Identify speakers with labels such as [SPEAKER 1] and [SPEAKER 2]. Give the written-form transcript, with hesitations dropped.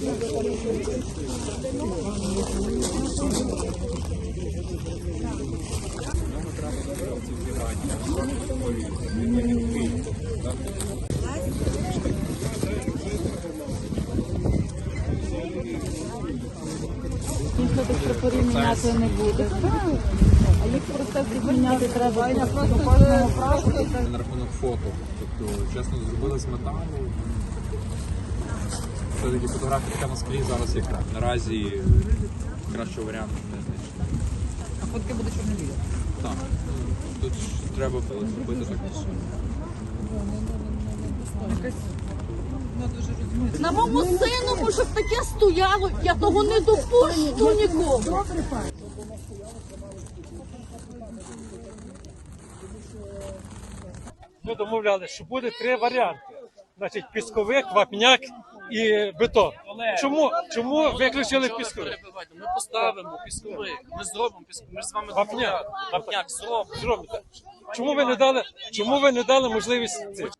[SPEAKER 1] Ніхто тих прапорів міняти не буде. А їх просто міняти треба до кожного прапору.
[SPEAKER 2] На рахунок фото. Тобто, чесно, зробили з металу. Все-таки фотографія на склі зараз яка. Наразі кращого варіанту не знайшли.
[SPEAKER 3] А фотки буде чорно-білі?
[SPEAKER 2] Так. Тут треба зробити так.
[SPEAKER 1] На моєму синому, щоб таке стояло, я того не допущу нікому.
[SPEAKER 4] Ми домовлялися, що буде 3 варіанти. Значить, пісковик, вапняк і бетон. Чому виключили пісковик?
[SPEAKER 5] Ми поставимо пісковик, ми зробимо пісковик, ми ж з вами
[SPEAKER 4] Вапняк.
[SPEAKER 5] Вапняк зробимо.
[SPEAKER 4] Зробите. Чому ви не дали можливість цих?